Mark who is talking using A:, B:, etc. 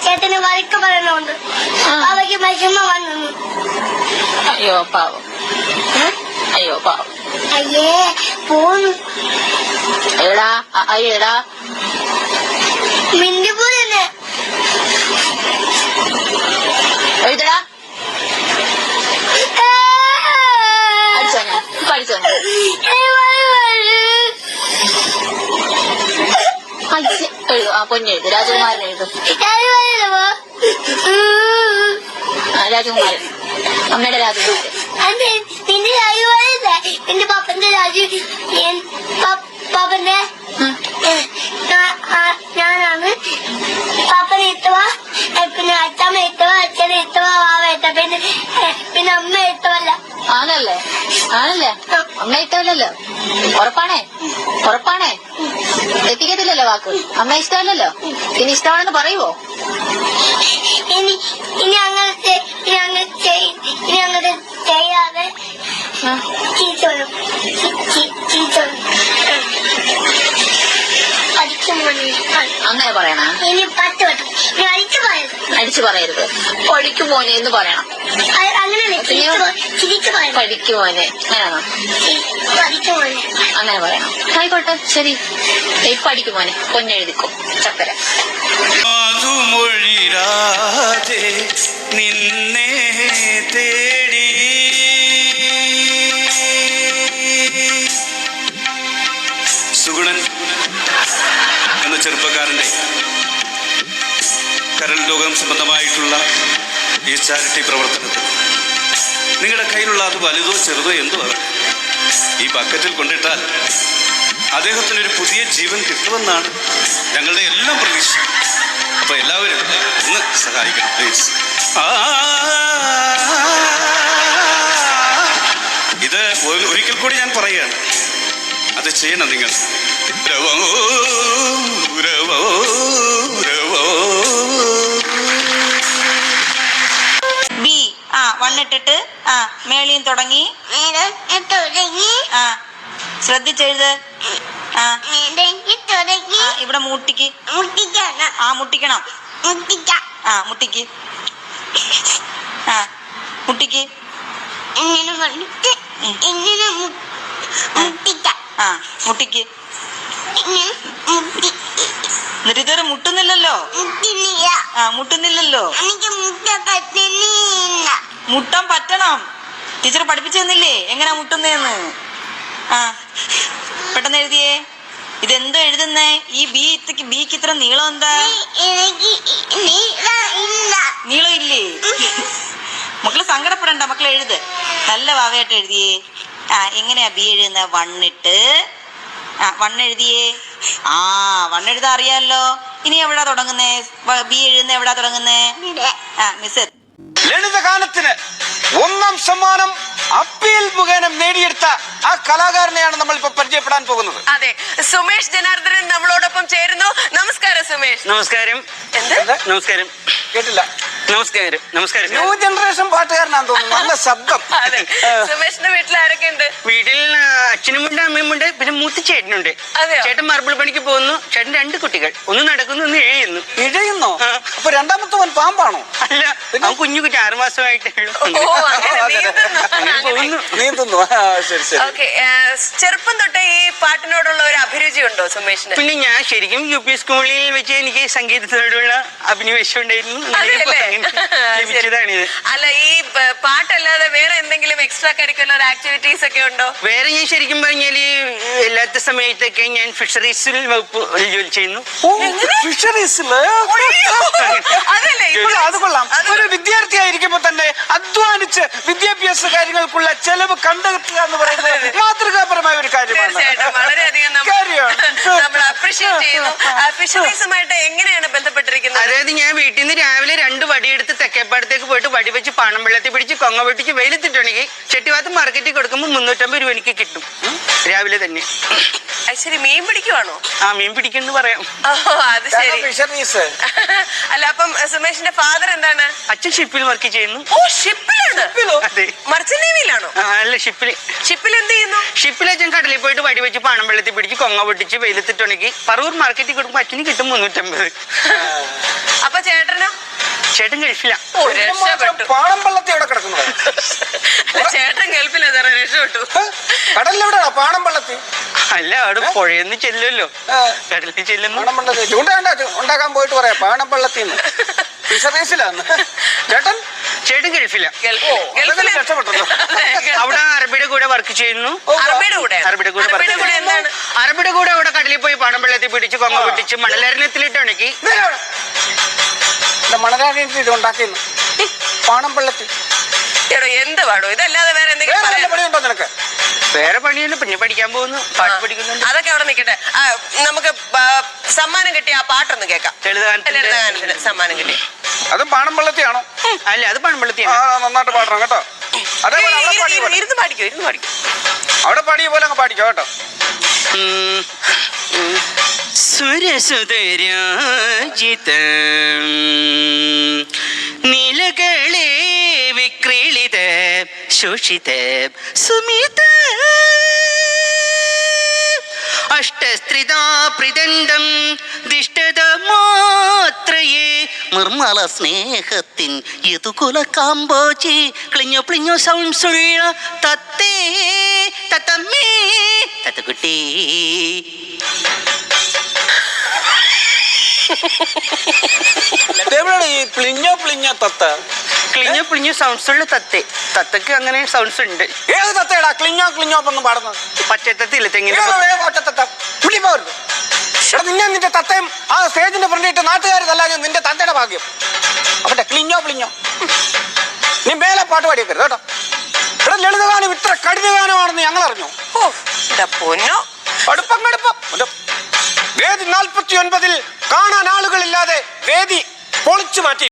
A: ചേട്ടന് വഴക്ക് പറയണോണ്ട് അവയ്ക്ക് വിഷമം വന്നു.
B: അയ്യോ പാവം, അയ്യോ പാവം.
A: അയ്യേ പോന്നു.
B: എടാ എടാ
A: മിണ്ടിപ്പോന്നെ
B: എഴുതടാ. അടിച്ചോ ഞാൻ, ഇപ്പൊ അടിച്ചോ ഞാൻ. എഴുതു, ആ പൊന്നെഴുതു, രാജകുമാരൻ എഴുതു. രാജകുമാരൻ, അമ്മയുടെ രാജകുമാരൻ.
A: നിന്റെ രാജകുമാരല്ലേ? നിന്റെ പപ്പന്റെ പാപ്പന്റെ ഞാനാണ്. പാപ്പനെ എത്തുവാ, പിന്നെ അച്ഛമ്മ എത്തുവാ, അച്ഛനെ എത്തുവാ, വാവ എത്ത, പിന്നെ അമ്മ എത്തുവല്ല.
B: ആണല്ലേ, ആണല്ലേ, അമ്മ ഇഷ്ടമല്ലല്ലോ. ഉറപ്പാണേ, ഉറപ്പാണേ, എത്തിക്കത്തില്ലല്ലോ വാക്ക്. അമ്മ ഇഷ്ടമല്ലല്ലോ, പിന്നെ ഇഷ്ടമാണെന്ന് പറയുവോ?
A: ഇനി അങ്ങനെ ചെയ്യാതെ ചീച്ചോളും.
B: അങ്ങനെ പറയണ?
A: ഇനി 10 വട്ടം
B: അടിച്ചു പറയരുത്. പഠിക്കും മോനെ എന്ന് പറയണം.
A: അങ്ങനെയല്ലേ ചിരിച്ചു പറയണം.
B: പഠിക്കും മോനെ അങ്ങനെയാണോ? അങ്ങനെ പറയണം. ആയിക്കോട്ടെ, ശരി. പഠിക്കും മോനെ, പൊന്നെഴുതിക്കോ. ചക്കര
C: നിന്നെ തേടി സുഗുണൻ എന്ന ചെറുപ്പക്കാരന്റെ കരൾ രോഗം സംബന്ധമായിട്ടുള്ള ഈ ചാരിറ്റി പ്രവർത്തനത്തിൽ നിങ്ങളുടെ കയ്യിലുള്ള അത് വലുതോ ചെറുതോ എന്തോ ആകട്ടെ, ഈ ബക്കറ്റിൽ കൊണ്ടിട്ടാൽ അദ്ദേഹത്തിനൊരു പുതിയ ജീവൻ കിട്ടുമെന്നാണ് ഞങ്ങളുടെ എല്ലാം പ്രതീക്ഷ. അപ്പൊ എല്ലാവരും ഒന്ന് സഹായിക്കണം പ്ലീസ്. ഇത് ഒരിക്കൽ കൂടി ഞാൻ പറയുകയാണ്, അത് ചെയ്യണം നിങ്ങൾ.
B: ബി വണ്ണിട്ടിട്ട് മേളിയും തുടങ്ങി. ശ്രദ്ധിച്ചെഴുത്. ഇവിടെ മുട്ടിക്ക്. മുട്ടിക്കണം. മുട്ടിക്ക്. മുട്ടിക്ക്. മുട്ടിക്ക്. എന്നിട്ട് ഇതുവരെ മുട്ടുന്നില്ലല്ലോ. മുട്ടുന്നില്ലല്ലോ. മുട്ടാൻ പറ്റണം. ടീച്ചർ പഠിപ്പിച്ചു തന്നില്ലേ എങ്ങനെയാ മുട്ടുന്നേന്ന്? പെട്ടെന്ന് എഴുതിയേ. ഇതെന്തോ എഴുതുന്നേ? ഈ ബിക്ക് ഇത്ര നീളം എന്താ? നീളം ഇല്ലേ? മക്കള് സങ്കടപ്പെടണ്ട, മക്കള് എഴുത്. നല്ല വാവയായിട്ട് എഴുതിയേ. എങ്ങനെയാ ബി എഴുതുന്ന? വണ്ണിട്ട് വണ്ണെഴുതിയേ. വണ്ണെഴുതാ അറിയാലോ. ഇനി എവിടാ തുടങ്ങുന്നേ? ബി എഴുതുന്ന എവിടാ തുടങ്ങുന്നേ? മിസ്
D: ലളിതഗാനത്തിന് 1ാം സമ്മാനം അപ്പീൽ മുഖേന നേടിയെടുത്ത ആ കലാകാരനെയാണ് നമ്മൾ ഇപ്പൊ പരിചയപ്പെടാൻ പോകുന്നത്.
E: അതെ, സുമേഷ് ജനാർദ്ദനൻ നമ്മളോടൊപ്പം ചേരുന്നു. നമസ്കാരം സുമേഷ്.
F: നമസ്കാരം. നമസ്കാരം.
D: കേട്ടില്ല.
F: നമസ്കാരം. നമസ്കാരം.
D: ന്യൂ ജനറേഷൻ പാട്ടുകാരനാന്ന് തോന്നുന്നു. നല്ല ശബ്ദം.
E: അതെ, സുമേഷിന്റെ വീട്ടിൽ ആരൊക്കെ ഉണ്ട്?
F: വീട്ടിൽ അച്ഛനുമുണ്ട്, അമ്മയുമുണ്ട്, പിന്നെ മൂത്ത ചേട്ടനുണ്ട്. ചേട്ടൻ മാർബിൾ പണിക്ക് പോകുന്നു. ചേട്ടൻ 2 കുട്ടികൾ, ഒന്ന് നടക്കുന്നു, ഒന്ന് എഴുതുന്നു.
D: ഇഴയുന്നോ? അപ്പൊ രണ്ടാമത്തവൻ പാമ്പാണോ?
F: അല്ല, അവൻ കുഞ്ഞു കുട്ടി 6 മാസമായിട്ടേ ഉള്ളൂ.
D: നീന്തുന്നു. ശരി ശരി.
E: ചെറുപ്പം തൊട്ടേ ഈ പാട്ടിനോടുള്ള ഒരു അഭിരുചി ഉണ്ടോ സുമേഷിന്?
F: പിന്നെ ഞാൻ ശരിക്കും UP സ്കൂളിൽ വെച്ച് എനിക്ക് സംഗീതത്തോടുള്ള അഭിനിവേശം ഉണ്ടായിരുന്നു.
E: അല്ല, ഈ പാട്ടല്ലാതെ വേറെ എന്തെങ്കിലും എക്സ്ട്രാ കരിക്കുലർ ആക്ടിവിറ്റീസ് ഒക്കെ ഉണ്ടോ?
F: വേറെ ഞാൻ ശരിക്കും പറഞ്ഞാല് എല്ലാത്ത സമയത്തൊക്കെ ഞാൻ ഫിഷറീസിൽ വകുപ്പ് ജോലി ചെയ്യുന്നു.
D: അത് കൊള്ളാം. ഒരു വിദ്യാർത്ഥി ആയിരിക്കുമ്പോ തന്നെ അധ്വാനിച്ച് വിദ്യാഭ്യാസ കാര്യങ്ങൾക്കുള്ള ചെലവ് കണ്ടെത്തുക എന്ന് പറയുന്നത് മാതൃകാപരമായ ഒരു കാര്യമാണ്.
E: വളരെയധികം നമ്മൾ അപ്രീഷിയേറ്റ് ചെയ്യുന്നു. ഫിഷറീസുമായിട്ട് എങ്ങനെയാണ് ബന്ധപ്പെട്ടിരിക്കുന്നത്?
F: അതായത് ഞാൻ വീട്ടിൽ നിന്ന് രാവിലെ 2 വടിയെടുത്ത് തെക്കേപ്പാടത്തേക്ക് പോയിട്ട് വടി വെച്ച് പാണം വെള്ളത്തിൽ പിടിച്ച് കൊങ്ങ പൊട്ടിച്ച് വെയിലത്തിട്ടുണ്ടെങ്കിൽ ചെട്ടിവാത്ത് മാർക്കറ്റിൽ കൊടുക്കുമ്പോൾ 350 രൂപ എനിക്ക് കിട്ടും രാവിലെ തന്നെ.
E: ശരി, മീൻ പിടിക്കുവാണോ?
F: മീൻ പിടിക്കുന്നു പറയാം.
E: അത് ശരി. അല്ല, അപ്പം സുമേഷിന്റെ ഫാദർ എന്താണ്?
F: അച്ഛൻ ഷിപ്പിൽ വർക്ക് ചെയ്യുന്നു.
E: ഷിപ്പിലാണ്? മർച്ചന്റ് നേവിയിലാണോ?
F: അല്ല, ഷിപ്പിൽ.
E: ഷിപ്പിൽ എന്ത് ചെയ്യുന്നു?
F: ഷിപ്പിൽ അച്ഛൻ കടലിൽ പോയിട്ട് വടി വെച്ച് പാണം വെള്ളത്തിൽ പിടിച്ച് കൊങ്ങ പൊട്ടിച്ച് വെയിലത്തിട്ടുണ്ടെങ്കിൽ പറവൂർ മാർക്കറ്റിൽ കൊടുക്കുമ്പോൾ അച്ഛന് കിട്ടും 350.
E: അപ്പൊ ചേട്ടനോ?
F: ചേട്ടൻ ഗൾഫില.
E: ഓ, രക്ഷപ്പെട്ടു.
D: പാണമ്പള്ളത്തി എവിടെ കിടക്കുന്നത്?
E: ചേട്ടൻ ഗൾഫിലാ സാറേ, രക്ഷപ്പെട്ടു.
D: കടലിലെവിടെയാ പാണമ്പള്ളത്തി?
F: അല്ല, അവിടെ പുഴയെന്ന് ചെല്ലുമല്ലോ, കടലിൽ ചെല്ലുന്നു.
D: പാണമ്പള്ളത്തി ഉണ്ടാക്കാൻ പോയിട്ട് പറയാ പാണമ്പള്ളത്തിന്ന്. ഫിഷറീസിലാന്ന് ചേട്ടൻ ഗൾഫില.
E: ഗൾഫില്
D: രക്ഷപ്പെട്ടല്ലോ.
F: അവിടെ അറബിയുടെ കൂടെ വർക്ക് ചെയ്യുന്നു.
E: അറബിയുടെ കൂടെ എന്താണ്?
F: അറബിയുടെ കൂടെ അവിടെ കടലിൽ പോയി പാണമ്പള്ളത്തിൽ പിടിച്ച് കൊങ്ങ പിടിച്ച് മണലരണ്യത്തിലിട്ട് ഉണക്കി.
D: മണരാണിയിട്ട് ഇത് ഉണ്ടാക്കിയെന്ന് പാണമ്പള്ളത്തി.
E: എടോ, എന്ത് പാടോ ഇതല്ലാതെ വേറെ എന്തെങ്കിലും പറയാൻ?
D: പണിയുണ്ടോ നിനക്ക്?
F: വേറെ പണിയൊന്നും, പിന്നെ പഠിക്കാൻ പോകുന്നു, പാട്ട് പഠിക്കുന്നുണ്ട്.
E: അതൊക്കെ അവിടെ നിൽക്കട്ടെ. നമുക്ക് സമ്മാനം കിട്ടിയ ആ പാട്ടൊന്ന് കേൾക്കാം. ലളിതഗാനത്തിന് സമ്മാനം കിട്ടിയ
D: അതും പാണമ്പള്ളത്തിയാണോ?
F: അല്ല, അത് പാണമ്പള്ളത്തിയാണ്.
D: നന്നായിട്ട് പാടണം കേട്ടോ. അതേപോലെ
E: ഇരുന്ന് പാടിക്കോ.
D: അവിടെ പാടിയ പോലെ അങ്ങ് പാടിക്കോ കേട്ടോ.
F: സുരസുതരാജിത നീലകളെ വിക്രീളിത ശോഷിത സുമിത അഷ്ടസ്ത്രിതാ പ്രിദണ്ഡം ദിഷ്ടത മാത്രയേ നിർമ്മല സ്നേഹത്തിൻ യതുകുല കാമ്പോചി ക്ലിഞ്ഞോ പ്ലിഞ്ഞോ സൗണ്ട്സുള്ള തത്തേ തത്തമ്മേ തത്തക്കുട്ടി.
D: ഈ പ്ലിഞ്ഞോ തത്ത?
F: ക്ലിഞ്ഞോ പ്ലിഞ്ഞോ സൗണ്ട്സ് ഉള്ള തത്തേ. തത്തക്ക് അങ്ങനെ സൗണ്ട്സ് ഉണ്ട്.
D: ഏത് തത്തയടാ ക്ലിഞ്ഞോ ഒന്നും പാടുന്നത്?
F: പച്ചത്തത്തില്ല, തെങ്ങിന്
D: നിന്നെ നിന്റെ തത്തയും ആ സ്റ്റേജിന്റെ ഫ്രണ്ടിട്ട് നാട്ടുകാർ തല്ലാഞ്ഞ നിന്റെ തത്തയുടെ ഭാഗ്യം. അവന്റെ ക്ലിഞ്ഞോ നീ മേലെ പാട്ട് പാടിയേക്കരുത് കേട്ടോ. ഇവിടെ ലളിതഗാനം ഇത്ര കഠിനഗാനമാണെന്ന് ഞങ്ങൾ അറിഞ്ഞു.
E: പൊന്നോ,
D: കടുപ്പം. വേദി 49 കാണാൻ ആളുകളില്ലാതെ വേദി പൊളിച്ചു മാറ്റി.